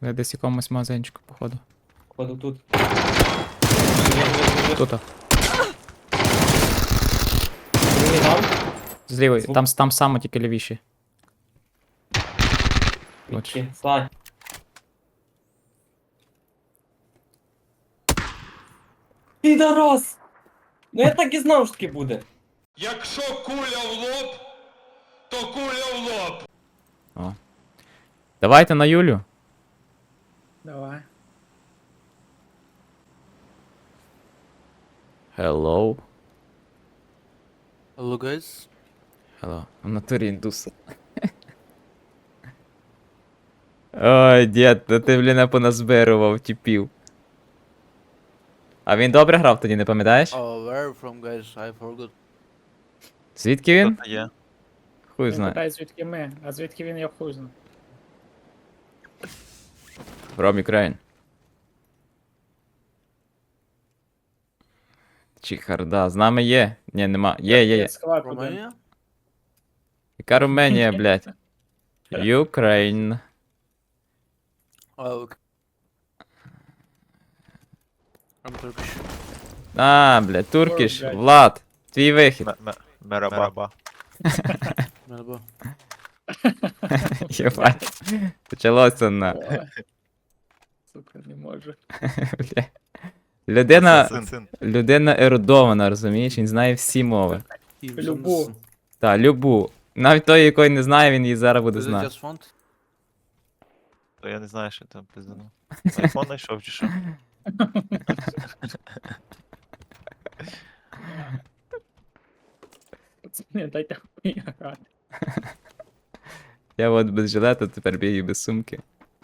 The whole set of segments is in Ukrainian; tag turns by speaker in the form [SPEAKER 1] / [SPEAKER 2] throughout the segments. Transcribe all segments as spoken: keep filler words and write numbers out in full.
[SPEAKER 1] Я десь в якомусь магазинчику, походу.
[SPEAKER 2] Походу тут.
[SPEAKER 1] Тут.
[SPEAKER 2] Другий там.
[SPEAKER 1] Злівий.
[SPEAKER 2] Звук.
[SPEAKER 1] Там, там само тільки лівіші. От.
[SPEAKER 2] Вічки. Слай. Підарас! Ну я так і знав, що таке буде.
[SPEAKER 3] Якщо куля в лоб, то куля в лоб.
[SPEAKER 1] О. Давайте на Юлю.
[SPEAKER 4] Давай.
[SPEAKER 1] Hello.
[SPEAKER 5] Hello guys.
[SPEAKER 1] Hello. В натурі індус. Ой, дід, та ти, блін, поназбирував тіпів. А він добре грав тоді, не пам'ятаєш?
[SPEAKER 5] Oh, where are you from guys? I forgot.
[SPEAKER 1] Звідки він?
[SPEAKER 3] Тут є.
[SPEAKER 1] Хуй
[SPEAKER 4] Він
[SPEAKER 1] знає.
[SPEAKER 4] питає, звідки ми, а звідки він я хуй знаю.
[SPEAKER 1] From Ukraine. Чіхарда, з нами є. Ні, нема. Є, є, є.
[SPEAKER 4] Схват один.
[SPEAKER 5] Romania?
[SPEAKER 1] Яка Руменія, блядь? Ukraine.
[SPEAKER 5] Oh, okay. I'm Turkish.
[SPEAKER 1] А, блядь, туркіш.
[SPEAKER 4] блядь.
[SPEAKER 1] Влад, твій вихід.
[SPEAKER 3] Мераба.
[SPEAKER 5] Merhaba.
[SPEAKER 1] Єбать. Почалося на.
[SPEAKER 4] Ой. Сука, не можу.
[SPEAKER 1] Бля. Людина,
[SPEAKER 3] Син.
[SPEAKER 1] людина ерудована, розумієш? Він знає всі мови.
[SPEAKER 5] Eve
[SPEAKER 4] Любу.
[SPEAKER 5] Johnson.
[SPEAKER 1] Та, любу. Навіть той, якої не знає, він її зараз буде
[SPEAKER 5] Is it
[SPEAKER 1] знати.
[SPEAKER 5] just font?
[SPEAKER 3] То я не знаю, що там пиздану. Айфон знайшов чи що?
[SPEAKER 4] Пацани, дайте хуй грати.
[SPEAKER 1] Я от без жилета, тепер бігаю без сумки.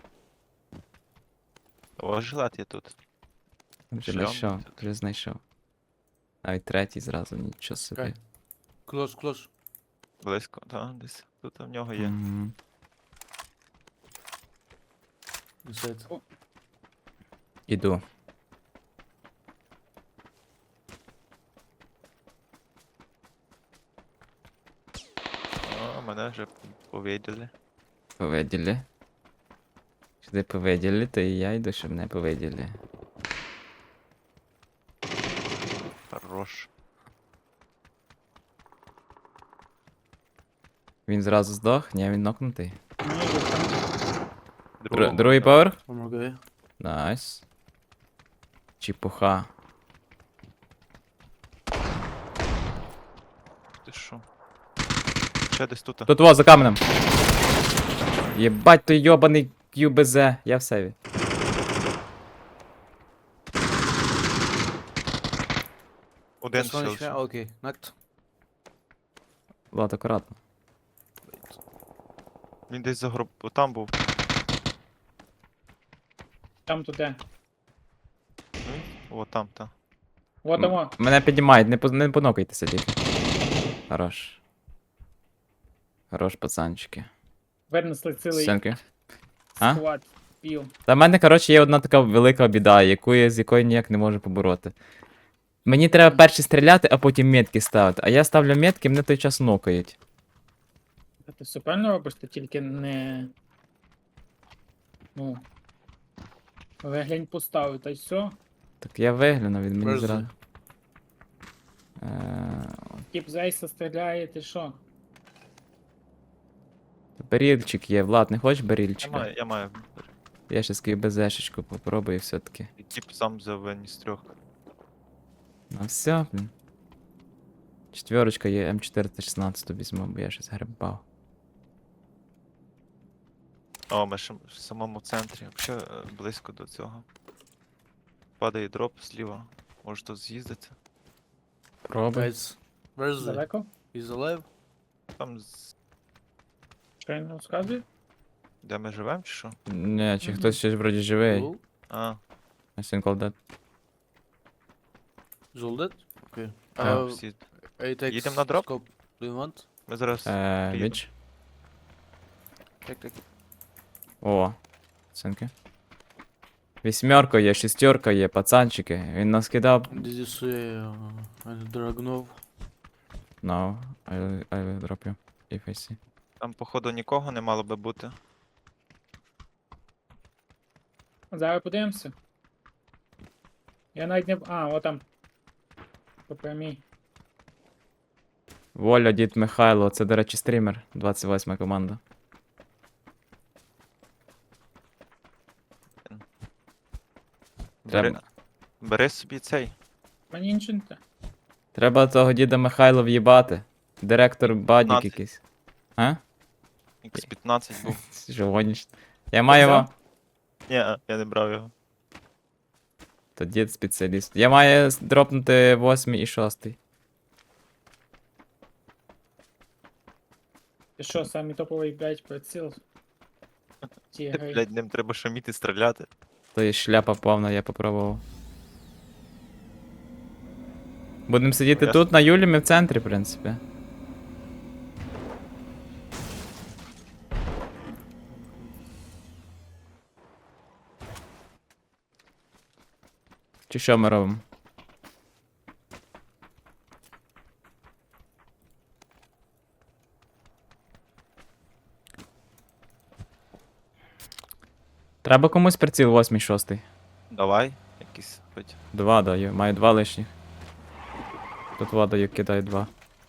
[SPEAKER 3] О, жилет є тут.
[SPEAKER 1] Вже
[SPEAKER 3] Шльом
[SPEAKER 1] знайшов,
[SPEAKER 3] тут.
[SPEAKER 1] вже знайшов. Навіть третій зразу, нічого собі.
[SPEAKER 5] Okay. Close, close.
[SPEAKER 3] Близько, так, десь. Тут в нього є.
[SPEAKER 1] Мгм.
[SPEAKER 5] Inside.
[SPEAKER 1] Іду.
[SPEAKER 3] О, мене вже повиділи.
[SPEAKER 1] Повиділи. Сюди повиділи, то і я йду, щоб мене повиділи.
[SPEAKER 3] Хорош.
[SPEAKER 1] Він зразу здох? Ні, він нокнутий.
[SPEAKER 4] Ні, ви там
[SPEAKER 1] Дру-
[SPEAKER 3] Другого,
[SPEAKER 1] Другий
[SPEAKER 3] да.
[SPEAKER 1] поверх?
[SPEAKER 5] One more guy.
[SPEAKER 1] Найс. Чіпуха.
[SPEAKER 3] Ти що? Ще десь тут.
[SPEAKER 1] Тут во, за каменем. Єбать, той йобаний кью бе зет. Я в сейві.
[SPEAKER 3] Один
[SPEAKER 5] Just one H P.
[SPEAKER 3] ще.
[SPEAKER 5] Okay, knocked.
[SPEAKER 1] Влад, акуратно.
[SPEAKER 3] Він десь за гроб... Там був.
[SPEAKER 4] там туди.
[SPEAKER 3] О, там, там.
[SPEAKER 4] Вот
[SPEAKER 1] М-
[SPEAKER 4] оно.
[SPEAKER 1] Мене піднімають, не, поз- не понокайтеся, діти. Хорош. Хорош, пацанчики.
[SPEAKER 4] Винесли цілий
[SPEAKER 1] Сенки. А?
[SPEAKER 4] склад пів.
[SPEAKER 1] Та в мене, коротше, є одна така велика біда, яку я, з якою ніяк не можу побороти. Мені треба перші стріляти, а потім метки ставити. А я ставлю метки, мене той час нокають.
[SPEAKER 4] Та ти все правильно робиш, ти тільки не. Ну. Виглянь поставив, та й все.
[SPEAKER 1] Так я вигляну від мені
[SPEAKER 5] Мерзи.
[SPEAKER 1] зразу. Е,
[SPEAKER 4] Тіп зайса стріляє, ти що?
[SPEAKER 1] Барільчик є, Влад, не хочеш
[SPEAKER 3] Я
[SPEAKER 1] барільчика?
[SPEAKER 3] маю, я маю.
[SPEAKER 1] Я щас КБЗшечку попробую все-таки.
[SPEAKER 3] І Тіп сам взяв виніс трьох.
[SPEAKER 1] Ну все, блін. Четверочка є, М чотириста шістнадцять візьму, бо я щось грибав.
[SPEAKER 3] О, ми ще в самому центрі. Взагалі е, близько до цього. Падає дроп зліва. Може тут з'їздити.
[SPEAKER 1] Пробуй.
[SPEAKER 5] Guys, where is he?
[SPEAKER 4] Далеко?
[SPEAKER 5] He's alive?
[SPEAKER 3] Там, з...
[SPEAKER 4] Що він розказує?
[SPEAKER 3] де ми живемо чи що?
[SPEAKER 1] Не, чи
[SPEAKER 4] Мгм.
[SPEAKER 1] хтось ще вроді живий.
[SPEAKER 5] Hello?
[SPEAKER 3] А,
[SPEAKER 1] I think all that.
[SPEAKER 5] Is all dead? Okay.
[SPEAKER 1] А,
[SPEAKER 5] Uh,
[SPEAKER 3] всі.
[SPEAKER 5] I take
[SPEAKER 3] Їдемо на дроп?
[SPEAKER 5] scope. Do you want?
[SPEAKER 3] Ми зараз.
[SPEAKER 1] Е,
[SPEAKER 3] приїдемо.
[SPEAKER 1] Віч.
[SPEAKER 5] Take, take.
[SPEAKER 1] О, оцінки. Вісьмерка є, шістерка є, пацанчики. Він нас кидав.
[SPEAKER 5] Did you see uh, Dragunov?
[SPEAKER 1] No, I, will- I will drop you, if I see.
[SPEAKER 3] Там, походу, нікого не мало би бути.
[SPEAKER 4] Зараз подивимося. Я навіть не. А, от там. По прямій.
[SPEAKER 1] Воля, дід Михайло, це, до речі, стрімер, двадцять восьма команда.
[SPEAKER 3] Бери,
[SPEAKER 1] Треба,
[SPEAKER 3] бери собі цей.
[SPEAKER 4] Мені нічого не те.
[SPEAKER 1] треба того діда Михайла в'їбати. Директор бадік
[SPEAKER 3] п'ятнадцять.
[SPEAKER 1] якийсь. А?
[SPEAKER 3] ікс п'ятнадцять був.
[SPEAKER 1] Що гониш? Я маю
[SPEAKER 4] взяв?
[SPEAKER 1] його.
[SPEAKER 3] Ні, я не брав його.
[SPEAKER 1] То дід спеціаліст. Я маю с- дропнути восьмий і шостий.
[SPEAKER 4] Ти що, самі топовий, блядь, приціл? Ті
[SPEAKER 3] Ти,
[SPEAKER 4] гри.
[SPEAKER 3] блядь, ним треба шуміти, стріляти.
[SPEAKER 1] То є шляпа повна, я попробував. Будемо сидіти
[SPEAKER 3] Ясно.
[SPEAKER 1] тут, на Юлі, ми в центрі, в принципі. Чи що ми робимо? Треба комусь приціл восьмий, шостий.
[SPEAKER 3] Давай, якийсь хоч.
[SPEAKER 1] Два даю, маю два лишніх. Тут вода даю, кидаю два.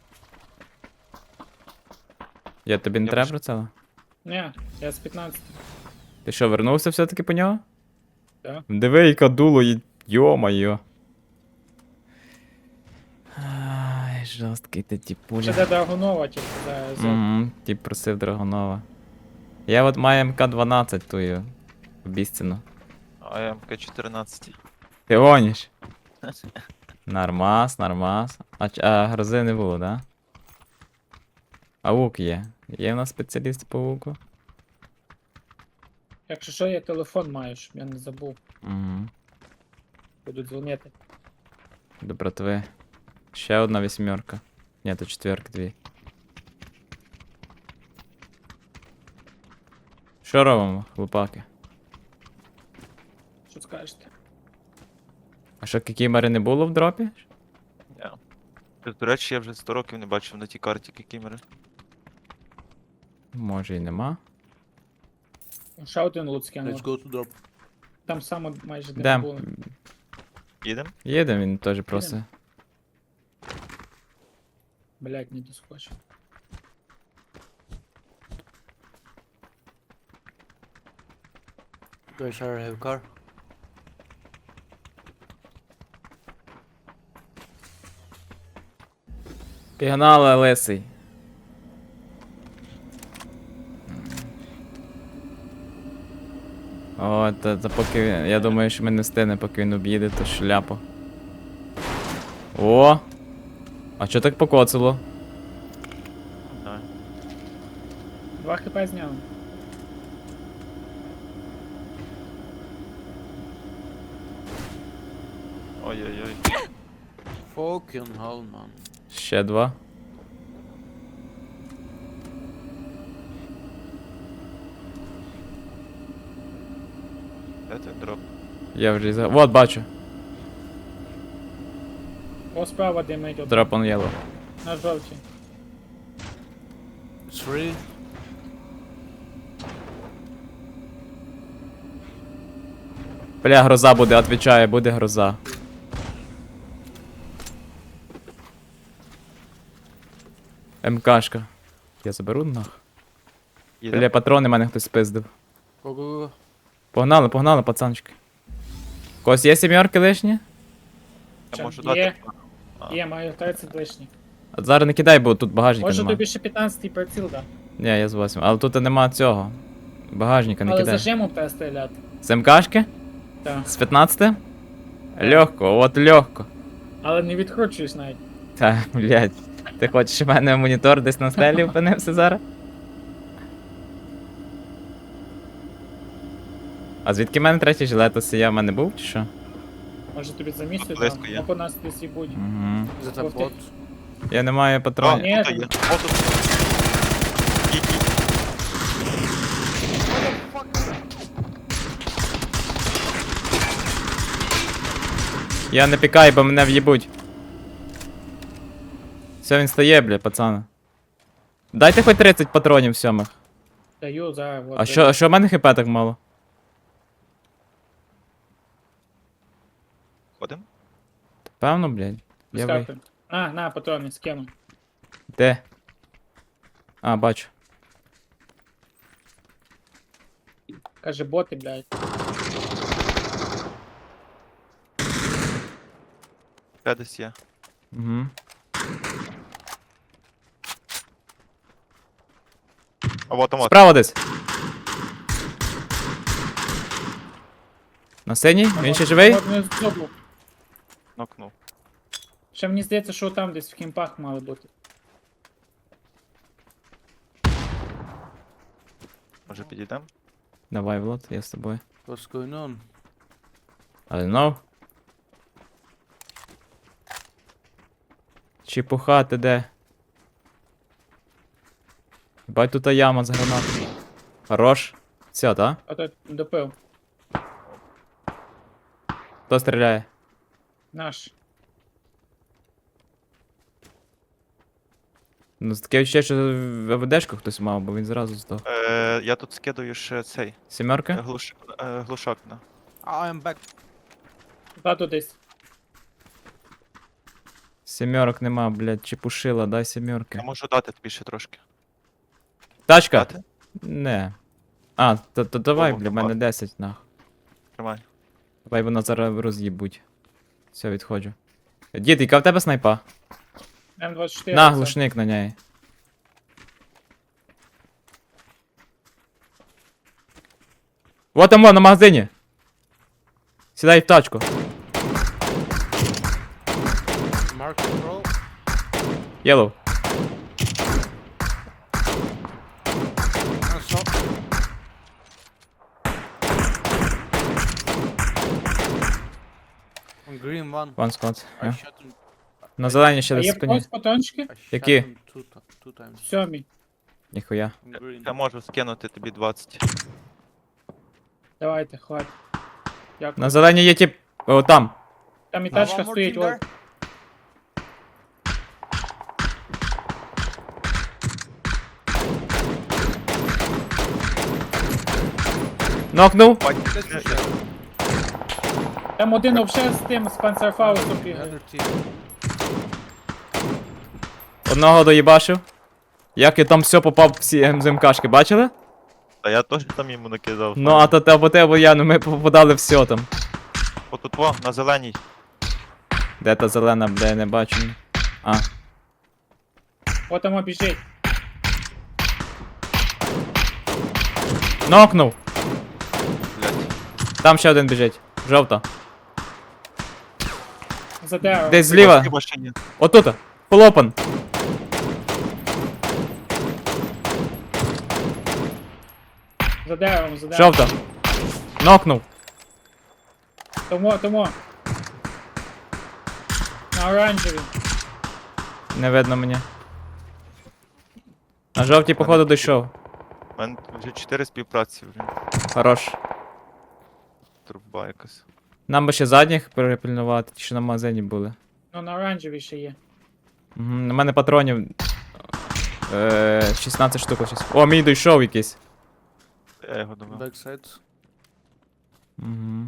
[SPEAKER 1] Я тобі не
[SPEAKER 3] Я
[SPEAKER 1] треба
[SPEAKER 3] пиш-
[SPEAKER 1] про це?
[SPEAKER 4] Ні, я з п'ятнадцяти.
[SPEAKER 1] Ти що, вернувся все-таки по нього?
[SPEAKER 4] Так.
[SPEAKER 1] Диви, яка дуло, і- йо-моє. Ай, жорсткий ти
[SPEAKER 4] Ще
[SPEAKER 1] тіпуля.
[SPEAKER 4] де Драгунова, тільки зараз.
[SPEAKER 1] Угу, ті просив Драгонова. Я от маю ем ка дванадцять тую. Обіцяну.
[SPEAKER 3] А я ем ка чотирнадцять.
[SPEAKER 1] Ти гониш? Нормас, нормас. А, ч- а грози не було, да? А лук є. Є в нас спеціаліст по луку?
[SPEAKER 4] Якщо що, я телефон маю, щоб я не забув.
[SPEAKER 1] Угу.
[SPEAKER 4] Буду дзвонити.
[SPEAKER 1] До братви. Ще одна вісьмерка. Ні, то четверка дві. Що робимо, хлопаки?
[SPEAKER 4] Що скажете?
[SPEAKER 1] А що, кікімери не було в дропі?
[SPEAKER 3] Я. До речі, я вже сто років не бачив на тій карті кікімери.
[SPEAKER 1] Може і нема.
[SPEAKER 4] Ще один лут
[SPEAKER 5] Let's
[SPEAKER 4] скинув.
[SPEAKER 5] go to drop.
[SPEAKER 4] Там само майже де
[SPEAKER 1] Де?
[SPEAKER 4] не було.
[SPEAKER 3] Їдем?
[SPEAKER 1] Їде, він теж просить.
[SPEAKER 4] Блять, не доскочив.
[SPEAKER 5] Guys, I have car.
[SPEAKER 1] Пігнали, лисий. О, та, та поки він- я думаю, що ми не встигнемо, поки він об'їде, то шляпа. О! А чо так покоцало?
[SPEAKER 3] Давай.
[SPEAKER 4] Два хп зняв.
[SPEAKER 3] Ой-ой-ой.
[SPEAKER 5] Fucking hell, man.
[SPEAKER 1] Ще два.
[SPEAKER 3] Де той дроп?
[SPEAKER 1] Я вже за. Вот, бачу.
[SPEAKER 4] О, справа димить один.
[SPEAKER 1] Drop on yellow.
[SPEAKER 4] На жовтій.
[SPEAKER 5] It's free.
[SPEAKER 1] Бля, гроза буде, отвечаю, буде гроза. МКшка. Я заберу нах.
[SPEAKER 3] Їдем?
[SPEAKER 1] Бля, патрони мене хтось спиздив.
[SPEAKER 5] Go, go, go.
[SPEAKER 1] Погнали, погнали, пацанчики. У когось є сімерки лишні?
[SPEAKER 3] Я можу
[SPEAKER 4] Є.
[SPEAKER 3] дати. А.
[SPEAKER 4] Є, маю тридцять лишніх.
[SPEAKER 1] А зараз не кидай, бо тут багажника
[SPEAKER 4] Може
[SPEAKER 1] нема.
[SPEAKER 4] тобі ще п'ятнадцятий приціл, да.
[SPEAKER 1] Ні, я з восьмим. Але тут нема цього. Багажника не
[SPEAKER 4] Але
[SPEAKER 1] кидай.
[SPEAKER 4] зажимом треба стріляти.
[SPEAKER 1] З МКшки?
[SPEAKER 4] Так.
[SPEAKER 1] З п'ятнадцяти? Легко, от легко.
[SPEAKER 4] Але не відкручуєш навіть.
[SPEAKER 1] Та, блядь. Ти хочеш, щоб в мене монітор десь на стелі опинився зараз? А звідки в мене третій жилет осія в мене був чи що?
[SPEAKER 4] Може тобі за місце
[SPEAKER 3] близько
[SPEAKER 4] там,
[SPEAKER 3] є.
[SPEAKER 4] або нас десь і будь.
[SPEAKER 1] Угу.
[SPEAKER 5] Is that a
[SPEAKER 4] Ух ти.
[SPEAKER 5] bot?
[SPEAKER 1] Я не маю
[SPEAKER 3] О,
[SPEAKER 1] патронів.
[SPEAKER 4] Ні.
[SPEAKER 3] тут є. О, тут. Їдь, їдь.
[SPEAKER 1] Я не пікаю, бо мене в'їбуть. Все, він стає, бля, пацани. Дайте хоч тридцять патронів сьомих.
[SPEAKER 4] Даю зараз. от,
[SPEAKER 1] А що, а що в мене хп так мало?
[SPEAKER 3] Ходим?
[SPEAKER 1] Певно, блядь. Я ви...
[SPEAKER 4] Вискакуй. А, на, патрони, скину.
[SPEAKER 1] Де? А, бачу.
[SPEAKER 4] Каже, боти, блядь.
[SPEAKER 3] Де десь є.
[SPEAKER 1] Угу.
[SPEAKER 3] А вот там от.
[SPEAKER 1] Справа десь. На сцені? Він ще живий?
[SPEAKER 4] От не зробив.
[SPEAKER 3] Нокнув.
[SPEAKER 4] Ще мені здається, що там десь в кімпах мали бути.
[SPEAKER 3] Може підійдемо?
[SPEAKER 1] Давай, Влад, я з тобою.
[SPEAKER 5] What's going on?
[SPEAKER 1] I don't know. Чепуха, ти де? Бать, тут яма з гранат. Хорош. Все, та?
[SPEAKER 4] А то допив.
[SPEAKER 1] Хто стріляє?
[SPEAKER 4] Наш.
[SPEAKER 1] Ну, таке відчуття, що в АВДшку хтось мав, бо він зразу здох.
[SPEAKER 3] Е, я тут скидаю ще цей е,
[SPEAKER 1] Сімерка?
[SPEAKER 3] глуш, е, глушак на.
[SPEAKER 5] I am back.
[SPEAKER 4] Тату десь.
[SPEAKER 1] Сімерок нема, блядь, чепушила, дай сімерки.
[SPEAKER 3] Я можу дати тобі ще трошки.
[SPEAKER 1] Тачка?
[SPEAKER 3] Дати?
[SPEAKER 1] Не. А, то, то давай,
[SPEAKER 3] О,
[SPEAKER 1] бля, в мене
[SPEAKER 3] давай.
[SPEAKER 1] десять, нах.
[SPEAKER 3] Тримай.
[SPEAKER 1] Давай вона зараз роз'їбуть. Все, відходжу. Дід, яка в тебе снайпа?
[SPEAKER 4] М двадцять чотири.
[SPEAKER 1] На,
[SPEAKER 4] це.
[SPEAKER 1] глушник на неї. Вот там вон, на магазині. Сідай в тачку.
[SPEAKER 5] Mark control.
[SPEAKER 1] Yellow.
[SPEAKER 5] And so. On green one.
[SPEAKER 1] One squad.
[SPEAKER 5] I
[SPEAKER 1] Yeah.
[SPEAKER 5] shot him.
[SPEAKER 1] На зелені ще
[SPEAKER 4] А
[SPEAKER 1] десь
[SPEAKER 4] є
[SPEAKER 1] спині.
[SPEAKER 4] когось патрончики?
[SPEAKER 5] I shot
[SPEAKER 1] Які?
[SPEAKER 5] him two, ti- two times.
[SPEAKER 4] Сьомі.
[SPEAKER 1] Ніхуя.
[SPEAKER 5] On green.
[SPEAKER 3] Я можу скинути тобі двадцять.
[SPEAKER 4] Давайте, хватить. Дякую.
[SPEAKER 1] На зелені є тип. О, там.
[SPEAKER 4] Там і
[SPEAKER 5] Now
[SPEAKER 4] тачка
[SPEAKER 5] one more
[SPEAKER 4] стоїть.
[SPEAKER 5] team there.
[SPEAKER 4] От.
[SPEAKER 1] Нокнув.
[SPEAKER 5] Let's push that.
[SPEAKER 4] Там один вообще з тим, з панцерфаусом бігає.
[SPEAKER 5] Another team.
[SPEAKER 1] Одного доїбашив. Як я там все попав всі МЗМКшки, бачили?
[SPEAKER 3] Та я теж там йому накидав.
[SPEAKER 1] Ну, а то те або те, або я, ну ми попадали все там.
[SPEAKER 3] Отут во, на зеленій.
[SPEAKER 1] Де та зелена, бля, я не бачу. А,
[SPEAKER 4] От там біжить.
[SPEAKER 1] нокнув.
[SPEAKER 3] Блять.
[SPEAKER 1] Там ще один біжить. Жовта.
[SPEAKER 4] За деревом.
[SPEAKER 1] Десь зліва.
[SPEAKER 3] Машині.
[SPEAKER 1] Отут. Полопан.
[SPEAKER 4] За деревом, за деревом.
[SPEAKER 1] Жовта. Нокнув.
[SPEAKER 4] Тому, тому. На оранжевій.
[SPEAKER 1] Не видно мені. На жовтій, походу, дійшов.
[SPEAKER 3] У мене вже чотири співпраці, блін.
[SPEAKER 1] Хорош.
[SPEAKER 3] Труба якась.
[SPEAKER 1] Нам би ще задніх перепильнувати, ті, що на магазині були.
[SPEAKER 4] Ну на оранжевій ще є.
[SPEAKER 1] Угу. На мене патронів. Е, шістнадцять штук ось. О, мій дійшов якийсь.
[SPEAKER 3] Я його думав.
[SPEAKER 5] Backside.
[SPEAKER 1] Угу.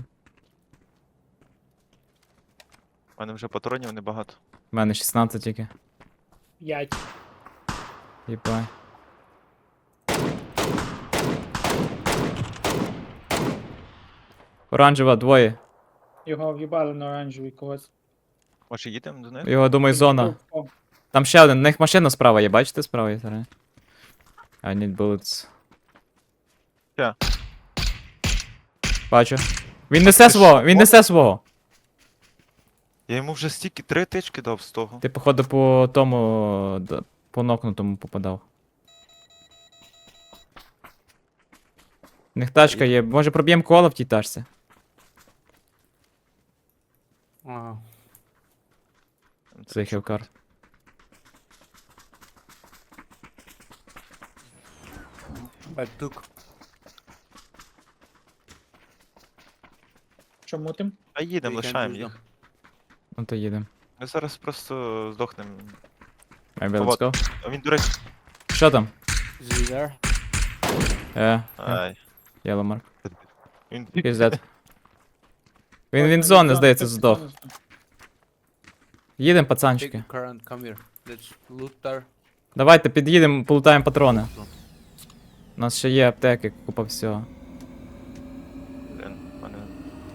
[SPEAKER 3] У мене вже патронів небагато.
[SPEAKER 1] У мене шістнадцять тільки.
[SPEAKER 4] П'ять.
[SPEAKER 1] Єбай. Оранжева, двоє.
[SPEAKER 4] Його в'їбали на оранжевій когось.
[SPEAKER 3] Може їдемо до них?
[SPEAKER 1] Його, думаю, зона.
[SPEAKER 4] О,
[SPEAKER 1] Там ще один, у них машина справа є, бачите, справа є зараз. I need bullets.
[SPEAKER 3] Ща.
[SPEAKER 1] Бачу. Він несе
[SPEAKER 3] Ти
[SPEAKER 1] свого,
[SPEAKER 3] що,
[SPEAKER 1] він несе свого.
[SPEAKER 3] Я йому вже стільки три тички дав з того.
[SPEAKER 1] Ти, походу, по тому. д- По нокнутому попадав. У них тачка є. Може проб'ємо коло в тій тачці?
[SPEAKER 5] Wow.
[SPEAKER 1] Це хілкар.
[SPEAKER 5] Back took.
[SPEAKER 4] чому тим?
[SPEAKER 3] А їдемо,
[SPEAKER 5] We can't
[SPEAKER 3] лишаємо
[SPEAKER 5] use
[SPEAKER 3] їх.
[SPEAKER 1] Ну то їдемо.
[SPEAKER 3] Ми зараз просто здохнемо.
[SPEAKER 1] Maybe let's
[SPEAKER 3] Вот.
[SPEAKER 1] go.
[SPEAKER 3] А він, до речі.
[SPEAKER 1] Що там?
[SPEAKER 5] Is he there?
[SPEAKER 1] Е,
[SPEAKER 3] Ай.
[SPEAKER 1] yellow mark.
[SPEAKER 3] Він
[SPEAKER 1] He's dead. Він, він
[SPEAKER 4] Ось,
[SPEAKER 1] зони,
[SPEAKER 4] зона,
[SPEAKER 1] здається,
[SPEAKER 4] тут
[SPEAKER 1] здох.
[SPEAKER 4] зона здох.
[SPEAKER 1] Їдемо,
[SPEAKER 5] Take
[SPEAKER 1] пацанчики.
[SPEAKER 5] the car and come here. Let's loot there.
[SPEAKER 1] Давайте під'їдемо, полутаємо патрони. У нас ще є аптеки, купа всього.
[SPEAKER 3] Блін, в мене...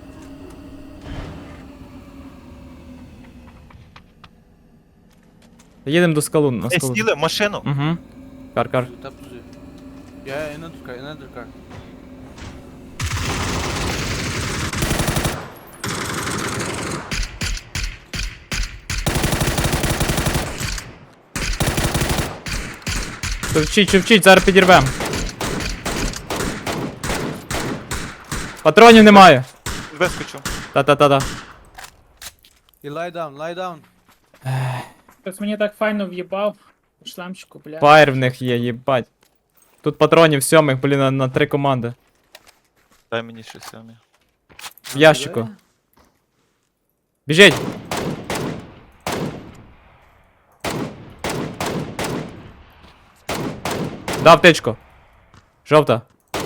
[SPEAKER 1] Їдемо до скалу, на
[SPEAKER 3] Ей,
[SPEAKER 1] скалу.
[SPEAKER 3] сіли в машину!
[SPEAKER 1] Угу. Кар-кар.
[SPEAKER 5] Loot up to the... Yeah, another car, another car.
[SPEAKER 1] Човчіть, човчіть, зараз підірвем. Патронів немає.
[SPEAKER 3] Вискочу.
[SPEAKER 1] Та-та-та-та.
[SPEAKER 5] You lie down, lie down.
[SPEAKER 4] Хтось мені так файно в'їбав. У шлемчику, бля.
[SPEAKER 1] Фаєр в них є, їбать. Тут патронів сьомих, блін, на, на три команди.
[SPEAKER 3] Дай мені ще сьомі.
[SPEAKER 1] В ящику. Біжіть! Дав тичку. Жовта.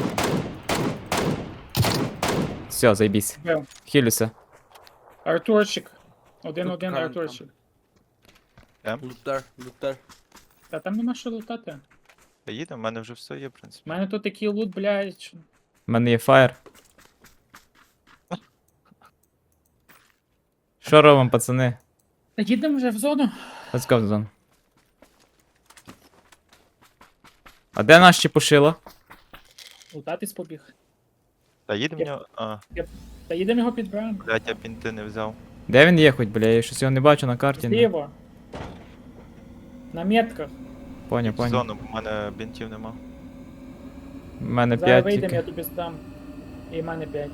[SPEAKER 1] Все, заєбісь.
[SPEAKER 4] Бив.
[SPEAKER 1] Хілюся.
[SPEAKER 4] Артурчик. Один-один
[SPEAKER 5] Тут кран
[SPEAKER 4] Артурчик.
[SPEAKER 5] Loot there, loot there.
[SPEAKER 4] Та там нема що лутати.
[SPEAKER 3] Їдемо, в мене вже все є, в принципі.
[SPEAKER 4] У мене тут такий лут, блядь. що-
[SPEAKER 1] У мене є фаєр. Що робимо, пацани?
[SPEAKER 4] Та їдемо вже в зону.
[SPEAKER 1] Let's go в зону. А де наш чепушило?
[SPEAKER 4] Лутатись побіг.
[SPEAKER 3] Та їдемо в нього... А,
[SPEAKER 4] Та їдемо його підбираємо.
[SPEAKER 3] блядь, я бінти не взяв.
[SPEAKER 1] Де він є хоч, бля? Я щось його не бачу на карті. Ну,
[SPEAKER 4] Зліво. На метках.
[SPEAKER 1] Поняв,
[SPEAKER 3] В
[SPEAKER 1] поняв.
[SPEAKER 3] зону, бо в мене бінтів нема.
[SPEAKER 1] У мене
[SPEAKER 4] Зараз
[SPEAKER 1] п'ять
[SPEAKER 4] вийдемо, я
[SPEAKER 1] тільки.
[SPEAKER 4] тобі здам. І в мене п'ять.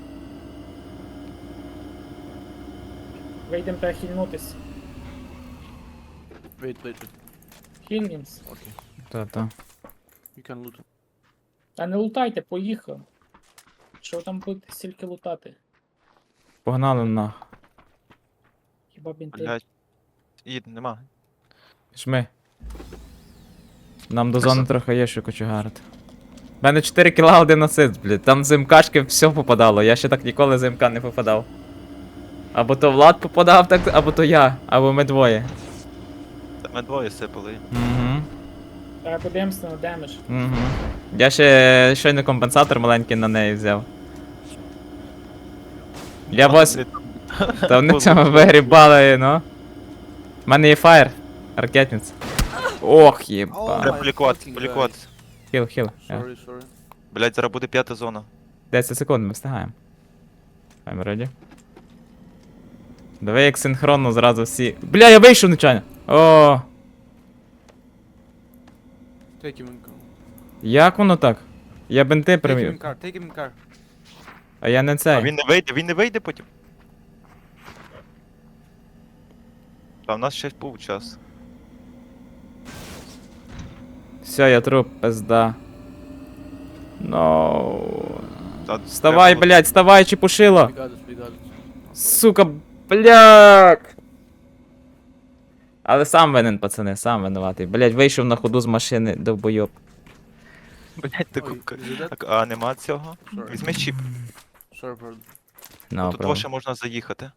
[SPEAKER 4] Вийдемо та хільнутись.
[SPEAKER 5] Wait, wait, wait.
[SPEAKER 4] Хільнімс.
[SPEAKER 5] Okay.
[SPEAKER 1] Та-та.
[SPEAKER 5] You can loot.
[SPEAKER 4] Та не лутайте, поїхав. Що там будете стільки лутати?
[SPEAKER 1] Погнали нах.
[SPEAKER 4] Хіба бінти?
[SPEAKER 3] Блядь. Їд, нема.
[SPEAKER 1] Жми. Нам до зони трохи є що кочегарити. У мене чотири кіла, один асист, блядь. Там з МКшки все попадало. Я ще так ніколи з МК не попадав. Або то Влад попадав, так, або то я, або ми двоє.
[SPEAKER 3] Та ми двоє сипали.
[SPEAKER 1] Угу.
[SPEAKER 4] Та подивимося на демедж.
[SPEAKER 1] Угу. Я ще щойно компенсатор маленький на неї взяв. Я бос. Та вони цьому вигрібали, ну. У мене є фаєр. Ракетниця. Ох,
[SPEAKER 5] Oh
[SPEAKER 1] єба.
[SPEAKER 3] Треба
[SPEAKER 5] my
[SPEAKER 3] полікувати,
[SPEAKER 5] fucking
[SPEAKER 3] полікувати.
[SPEAKER 1] Хіл, хіл. Я.
[SPEAKER 5] Sorry, sorry.
[SPEAKER 3] Блядь, зараз буде п'ята зона.
[SPEAKER 1] десять секунд, ми встигаємо. I'm ready. Давай як синхронно зразу всі. Бля, я вийшов нечайно. О,
[SPEAKER 5] Take him in car.
[SPEAKER 1] як воно так? Я бенти
[SPEAKER 5] Take him in
[SPEAKER 1] привів.
[SPEAKER 5] car, take him in car.
[SPEAKER 1] А я не
[SPEAKER 3] А
[SPEAKER 1] цей.
[SPEAKER 3] він не вийде, він не вийде потім. Та в нас ще був час.
[SPEAKER 1] Все, я труп, пизда. Ноу.
[SPEAKER 3] Та
[SPEAKER 1] Вставай,
[SPEAKER 3] треба було-
[SPEAKER 1] блядь, вставай, чепушило.
[SPEAKER 5] We got it, we got it.
[SPEAKER 1] Сука, бляк. Але сам винен, пацани, сам винуватий. Блядь, вийшов на ходу з машини, довбойоб.
[SPEAKER 3] Блядь, ти
[SPEAKER 5] Ой,
[SPEAKER 3] купка.
[SPEAKER 5] is it that?
[SPEAKER 3] Так, а нема цього?
[SPEAKER 5] Sorry.
[SPEAKER 3] Візьми чіп.
[SPEAKER 5] Sorry for...
[SPEAKER 1] No,
[SPEAKER 3] Тут того ще можна заїхати.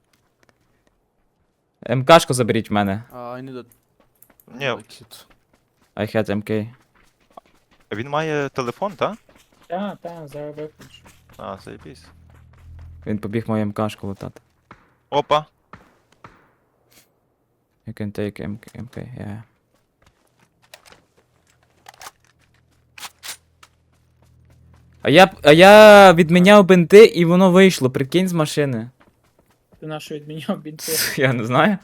[SPEAKER 1] МКшку заберіть в мене.
[SPEAKER 5] Uh, I need that.
[SPEAKER 3] Ні,
[SPEAKER 5] Like it.
[SPEAKER 1] I had ем кей.
[SPEAKER 3] він має телефон, так?
[SPEAKER 4] Та, та, зараз виключу.
[SPEAKER 3] А, заєбісь.
[SPEAKER 1] Він побіг мою МКшку лутати.
[SPEAKER 3] Опа.
[SPEAKER 1] You can take ем кей, ем кей, yeah. А я, а я відміняв бинти і воно вийшло, прикинь з машини.
[SPEAKER 4] Ти нашу відміняв бінти.
[SPEAKER 1] Я не знаю.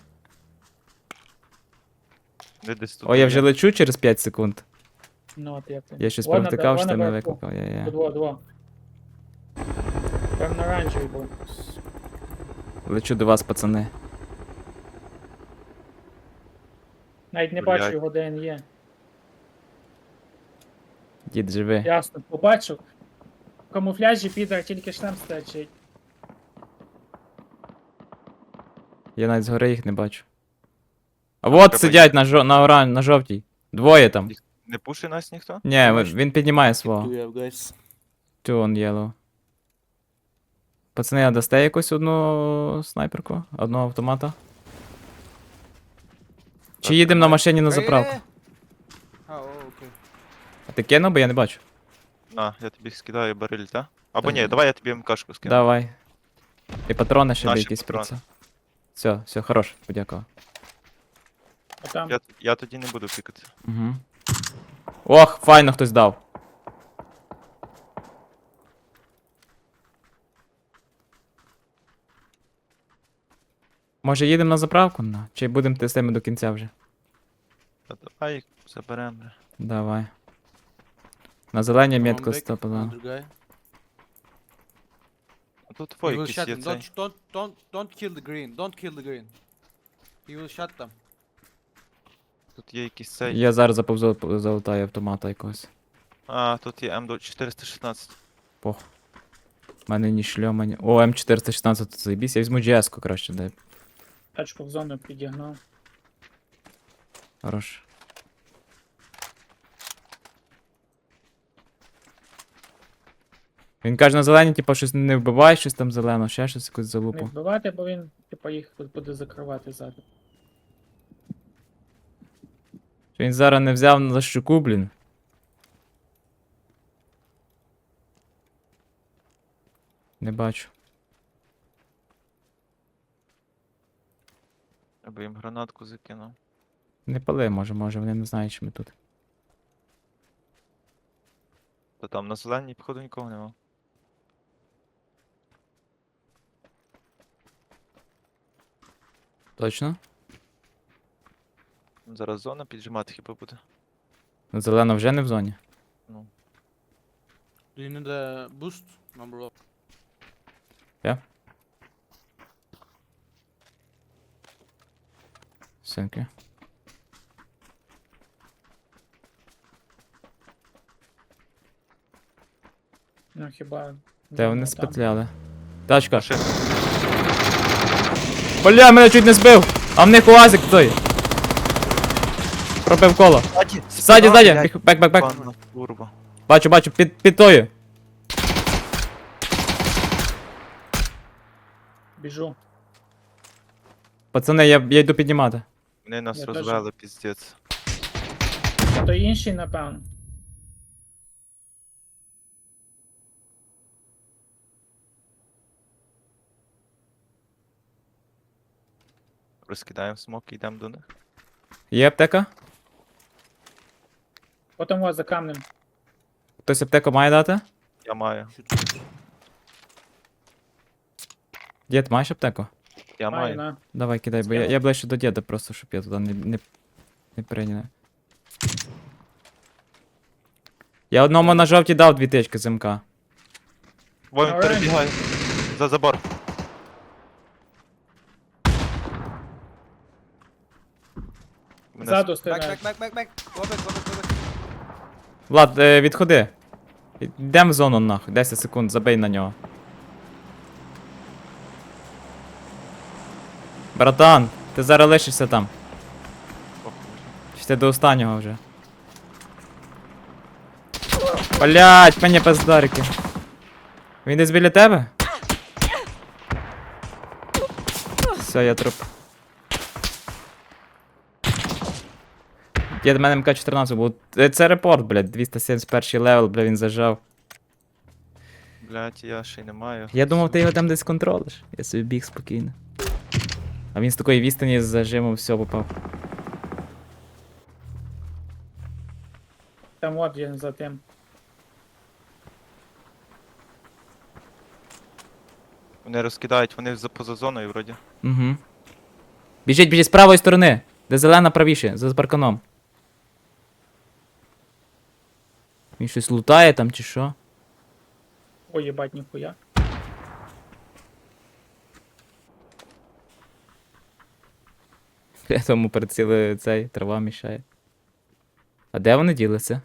[SPEAKER 3] Де десь тут.
[SPEAKER 1] О, я
[SPEAKER 3] є.
[SPEAKER 1] вже лечу через п'ять секунд.
[SPEAKER 4] Ну, от як ти.
[SPEAKER 1] Я щось
[SPEAKER 4] Вон на-
[SPEAKER 1] провтикав,
[SPEAKER 4] вон
[SPEAKER 1] що ти мене
[SPEAKER 4] наверху.
[SPEAKER 1] викликав. Я, я.
[SPEAKER 4] Дво, дво. Прям на оранжевий був.
[SPEAKER 1] Лечу до вас, пацани.
[SPEAKER 4] Навіть не
[SPEAKER 3] Блядь.
[SPEAKER 4] бачу його, де він є.
[SPEAKER 1] Дід живи.
[SPEAKER 4] Ясно, побачив. В камуфляжі підар тільки шлем стачить.
[SPEAKER 1] Я навіть згори їх не бачу. А вот
[SPEAKER 3] треба
[SPEAKER 1] сидять на, жо... на, оран... на жовтій. Двоє там.
[SPEAKER 3] Не пушить нас ніхто?
[SPEAKER 1] Ні, він- він піднімає свого.
[SPEAKER 5] Do you have guys?
[SPEAKER 1] Two on yellow. Пацани, а дасте якусь одну снайперку? Одного автомата? Чи
[SPEAKER 3] Так,
[SPEAKER 1] їдемо на
[SPEAKER 3] тримай.
[SPEAKER 1] машині на
[SPEAKER 5] Hey,
[SPEAKER 1] заправку?
[SPEAKER 5] hey, hey. Oh, oh, okay.
[SPEAKER 1] А ти кинув, бо я не бачу.
[SPEAKER 3] На, я тобі скидаю бариль, так? Або
[SPEAKER 1] Так.
[SPEAKER 3] ні, давай я тобі МКшку скину.
[SPEAKER 1] Давай. І патрони ще
[SPEAKER 3] Наші
[SPEAKER 1] якісь про
[SPEAKER 3] патрони.
[SPEAKER 1] це. Все, все, хорош, подякував.
[SPEAKER 4] А там.
[SPEAKER 3] Я, я тоді не буду пікати.
[SPEAKER 1] Угу. Ох, файно хтось дав. Може їдемо на заправку? На? Чи будемо тестами до кінця вже?
[SPEAKER 3] Та давай їх заберемо. бля.
[SPEAKER 1] Давай. На зеленій
[SPEAKER 5] One
[SPEAKER 1] метку
[SPEAKER 5] back,
[SPEAKER 1] стопила.
[SPEAKER 5] another guy.
[SPEAKER 3] А тут
[SPEAKER 5] He
[SPEAKER 3] твої
[SPEAKER 5] will
[SPEAKER 3] якісь
[SPEAKER 5] shot
[SPEAKER 3] є
[SPEAKER 5] them.
[SPEAKER 3] цей.
[SPEAKER 5] Don't, don't, don't, don't kill the green. Don't kill the green. He will shot them.
[SPEAKER 3] Тут є якийсь цей.
[SPEAKER 1] Я зараз заповзу залутаю автомата якогось.
[SPEAKER 3] А, тут є М чотириста шістнадцять.
[SPEAKER 1] Пох. У мене ні шльома, ні. О, М чотириста шістнадцять тут заєбісь. Я візьму джі ес-ку краще, дай.
[SPEAKER 4] Тачку в зону підігнав.
[SPEAKER 1] Хорош. Він каже на зелені, типа, щось не вбивай, щось там зелено, ще щось якусь
[SPEAKER 4] Не
[SPEAKER 1] залупу.
[SPEAKER 4] вбивати, бо він, типа, їх буде закривати ззаду.
[SPEAKER 1] Він зараз не взяв на щуку, блін. Не бачу.
[SPEAKER 3] Я би їм гранатку закинув.
[SPEAKER 1] Не пали, може, може, вони не знають, що ми тут.
[SPEAKER 3] Та там на зеленій, походу, нікого нема.
[SPEAKER 1] Точно?
[SPEAKER 3] Зараз зона піджимати хіба буде.
[SPEAKER 1] Ну, зелена вже не в зоні.
[SPEAKER 3] Ну.
[SPEAKER 5] Do you need a boost? Number of.
[SPEAKER 1] Синки.
[SPEAKER 4] Ну хіба.
[SPEAKER 1] Де вони
[SPEAKER 4] там.
[SPEAKER 1] спетляли? Тачка.
[SPEAKER 3] Машина.
[SPEAKER 1] Бля, мене чуть не збив! А в них уазик той. Пробив коло.
[SPEAKER 3] Ззаді,
[SPEAKER 1] Ззаді, ззаді! Біг- Бек, бек, бек.
[SPEAKER 3] Панна турбо.
[SPEAKER 1] Бачу, бачу, під, під тою.
[SPEAKER 4] Біжу.
[SPEAKER 1] Пацани, я, я йду піднімати.
[SPEAKER 3] Вони нас
[SPEAKER 4] Я теж.
[SPEAKER 3] розвели, піздець.
[SPEAKER 4] А то інший, напевно.
[SPEAKER 3] Розкидаємо смок і йдемо до них.
[SPEAKER 1] Є аптека?
[SPEAKER 4] Потім вас за камнем.
[SPEAKER 1] Хтось аптеку має дати?
[SPEAKER 3] Я маю.
[SPEAKER 5] Shoot, shoot.
[SPEAKER 1] Дід, маєш аптеку?
[SPEAKER 3] Я
[SPEAKER 4] Маю
[SPEAKER 3] маю.
[SPEAKER 4] на.
[SPEAKER 1] Давай, кидай, бо я,
[SPEAKER 4] Скинув.
[SPEAKER 1] я ближче до діда просто, щоб я туди не, не, не прийняв. Я одному на жовті дав дві тички з МК.
[SPEAKER 3] Вон він
[SPEAKER 4] Alright.
[SPEAKER 3] перебігає. За забор. Мене
[SPEAKER 4] Ззаду
[SPEAKER 5] Back,
[SPEAKER 4] стріляють.
[SPEAKER 5] back, back, back, back. Go back, go back, go back.
[SPEAKER 1] Влад, е, відходи. Йдем в зону нахуй, десять секунд, забий на нього. Братан, ти зараз лишишся там.
[SPEAKER 3] похуй.
[SPEAKER 1] Чи ти до останнього вже? Блять, мені пиздарики. Він десь біля тебе? Все, я труп. Є до мене ем ка чотирнадцять був. Е, Це репорт, блядь, двісті сімдесят перший левел, бля, він зажав.
[SPEAKER 3] Блять, я ще й не маю.
[SPEAKER 1] Я думав, ти його там десь контролиш. Я собі біг спокійно. А він з такої відстані з зажиму все попав.
[SPEAKER 4] Там от він за тим.
[SPEAKER 3] Вони розкидають, вони за поза зоною вроді.
[SPEAKER 1] Угу. Біжіть, біжіть з правої сторони. Де зелена правіше, за парканом. Він щось лутає там чи що?
[SPEAKER 4] Ой, їбать, ніхуя.
[SPEAKER 1] Я тому приціли цей, трава мішає. А де вони ділися?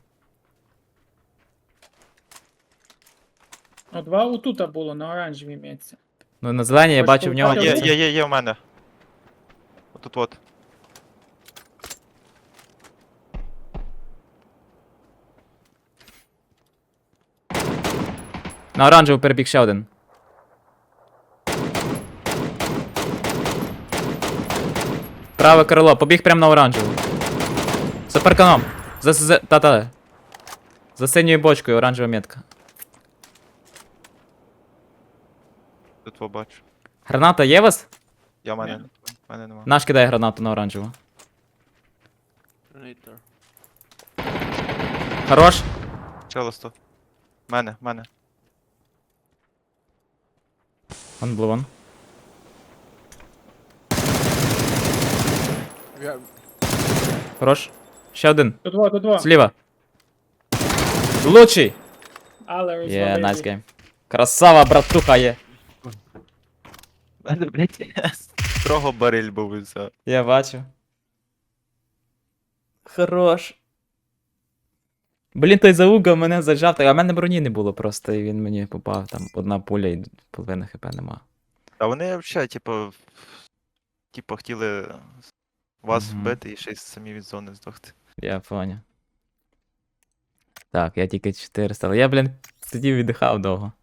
[SPEAKER 4] Ну, два отута було, на оранжевій місці.
[SPEAKER 1] Ну на зеленій я
[SPEAKER 4] Ось
[SPEAKER 1] бачив в
[SPEAKER 3] А,
[SPEAKER 1] нього.
[SPEAKER 4] тут
[SPEAKER 3] є,
[SPEAKER 1] це.
[SPEAKER 3] є, є, є в мене. Отут от.
[SPEAKER 1] На оранжеву перебіг ще один. Праве крило, побіг прямо на оранжеву. За парканом. За, за, та-та. За синьою бочкою оранжева метка.
[SPEAKER 3] Тут побачу.
[SPEAKER 1] Граната є у вас?
[SPEAKER 3] Я в мене,
[SPEAKER 4] Ні.
[SPEAKER 3] в мене нема.
[SPEAKER 1] Наш кидає гранату на оранжеву.
[SPEAKER 5] Grenade there.
[SPEAKER 1] Хорош.
[SPEAKER 3] Челосто. Мене, мене.
[SPEAKER 1] Вон blue one.
[SPEAKER 5] Yeah,
[SPEAKER 1] Хорош. Ще один.
[SPEAKER 4] Тут во, тут во.
[SPEAKER 1] Зліва. Лучший.
[SPEAKER 4] Але
[SPEAKER 1] Є, yeah, nice game. Красава, братуха є.
[SPEAKER 3] Мене, блядь, строго бариль був і все.
[SPEAKER 1] Я бачу. Хорош. Блін, той зауга мене зажав, а в мене броні не було просто, і він мені попав, там одна пуля і половина хп нема.
[SPEAKER 3] А вони взагалі, типу, типу, хотіли вас
[SPEAKER 1] Мгм.
[SPEAKER 3] вбити і ще й самі від зони здохти.
[SPEAKER 1] Я поняв. Так, я тільки чотириста, але я, блін, сидів віддихав довго.